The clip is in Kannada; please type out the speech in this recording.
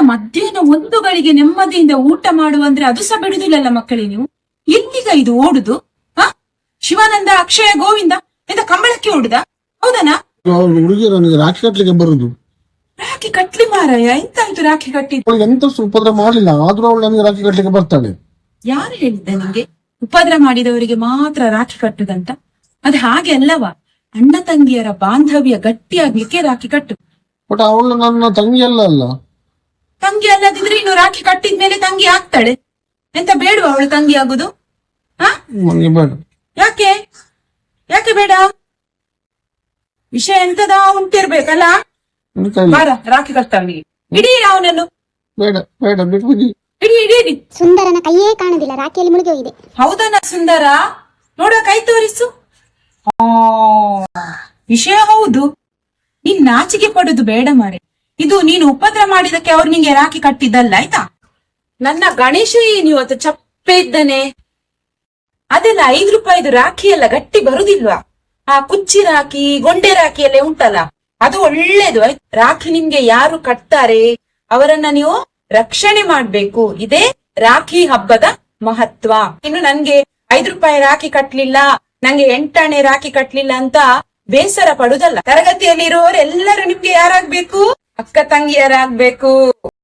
ಮಧ್ಯಾಹ್ನ 1 ಗಳಿಗೆ ನೆಮ್ಮದಿಯಿಂದ ಊಟ ಮಾಡುವಂದ್ರೆ ಅದು ಸಹ ಬಿಡುದಿಲ್ಲಲ್ಲ ಮಕ್ಕಳೇ ನೀವು. ಎಲ್ಲಿಗ ಇದು ಓಡುದು? ಹ, ಶಿವಾನಂದ, ಅಕ್ಷಯ, ಗೋವಿಂದ ಎಂತ ಕಂಬಳಕ್ಕೆ ಓಡುದ? ಹೌದನಾ? ಹುಡುಗಿಯರು ನನಗೆ ರಾಖಿ ಕಟ್ಲಿಕ್ಕೆ ಬರುದು. ರಾಖಿ ಕಟ್ಲಿ ಮಾರಾಯ, ಎಂತಾಯ್ತು ರಾಖಿ ಕಟ್ಟಿ? ಎಂತ ಉಪದ್ರ ಮಾಡಲಿಲ್ಲ, ಆದ್ರೂ ಅವಳು ನನಗೆ ರಾಖಿ ಕಟ್ಲಿಕ್ಕೆ ಬರ್ತಾಳೆ. ಯಾರು ಹೇಳಿದ್ದ ನಿಂಗೆ ಉಪದ್ರ ಮಾಡಿದವರಿಗೆ ಮಾತ್ರ ರಾಖಿ ಕಟ್ಟುದಂತ? ಅದು ಹಾಗೆ ಅಲ್ಲವಾ, ಅಣ್ಣ ತಂಗಿಯರ ಬಾಂಧವ್ಯ ಗಟ್ಟಿಯಾಗ್ಲಿಕ್ಕೆ ರಾಖಿ ಕಟ್ಟು. ಬಟ್ ಅವಳು ನನ್ನ ತಂಗಿ ಅಲ್ಲ. ತಂಗಿ ಅಲ್ಲದಿದ್ರೆ ಇನ್ನು ರಾಖಿ ಕಟ್ಟಿದ್ಮೇಲೆ ತಂಗಿ ಆಗ್ತಾಳೆ. ಎಂತ ಬೇಡುವ ಅವಳು ತಂಗಿ ಆಗುದು? ನನಗೆ ಬೇಡ. ಯಾಕೆ ಯಾಕೆ ಬೇಡ? ವಿಷಯ ಎಂತದ ಉಂಟಿರ್ಬೇಕಲ್ಲ. ಬಾರ, ರಾಖಿ ಕಟ್ತಾವನಿಗೆ. ಇಡೀ ಅವನನ್ನು. ಬೇಡ ಬೇಡ, ಬಿಟ್ಬಿಡಿ. ಇಡೀ ಇಡೀ ಇಡೀ. ಸುಂದರನ ಕೈಯೇ ಕಾಣುದಿಲ್ಲ, ರಾಖಿಯಲ್ಲಿ ಮುಳುಗಿ ಹೋಗಿದೆ. ಹೌದನ ಸುಂದರ? ನೋಡುವ, ಕೈ ತೋರಿಸು. ವಿಷಯ ಹೌದು. ನೀನ್ ನಾಚಿಕೆ ಪಡುದು ಬೇಡ ಮಾರೆ. ಇದು ನೀನು ಉಪದ್ರ ಮಾಡಿದಕ್ಕೆ ಅವ್ರು ನಿಂಗೆ ರಾಖಿ ಕಟ್ಟಿದ್ದಲ್ಲ, ಆಯ್ತಾ? ನನ್ನ ಗಣೇಶ ಏನು ಇವತ್ತು ಚಪ್ಪೆ ಇದ್ದಾನೆ. ಅದೆಲ್ಲ 5 ರೂಪಾಯಿದು ರಾಖಿ ಎಲ್ಲ ಗಟ್ಟಿ ಬರುದಿಲ್ವಾ? ಆ ಕುಚ್ಚಿ ರಾಖಿ, ಗೊಂಡೆ ರಾಖಿ ಎಲ್ಲ ಉಂಟಲ್ಲ, ಅದು ಒಳ್ಳೇದು. ರಾಖಿ ನಿಮ್ಗೆ ಯಾರು ಕಟ್ತಾರೆ ಅವರನ್ನ ನೀವು ರಕ್ಷಣೆ ಮಾಡ್ಬೇಕು. ಇದೇ ರಾಖಿ ಹಬ್ಬದ ಮಹತ್ವ. ಇನ್ನು ನನ್ಗೆ 5 ರೂಪಾಯಿ ರಾಖಿ ಕಟ್ಲಿಲ್ಲ, ನಂಗೆ 8 ಆಣೆ ರಾಖಿ ಕಟ್ಲಿಲ್ಲ ಅಂತ ಬೇಸರ ಪಡುದಲ್ಲ. ತರಗತಿಯಲ್ಲಿ ಇರುವವರೆಲ್ಲರೂ ನಿಮ್ಗೆ ಯಾರಾಗ್ಬೇಕು? ಅಕ್ಕ ತಂಗಿಯರಾಗ್ಬೇಕು.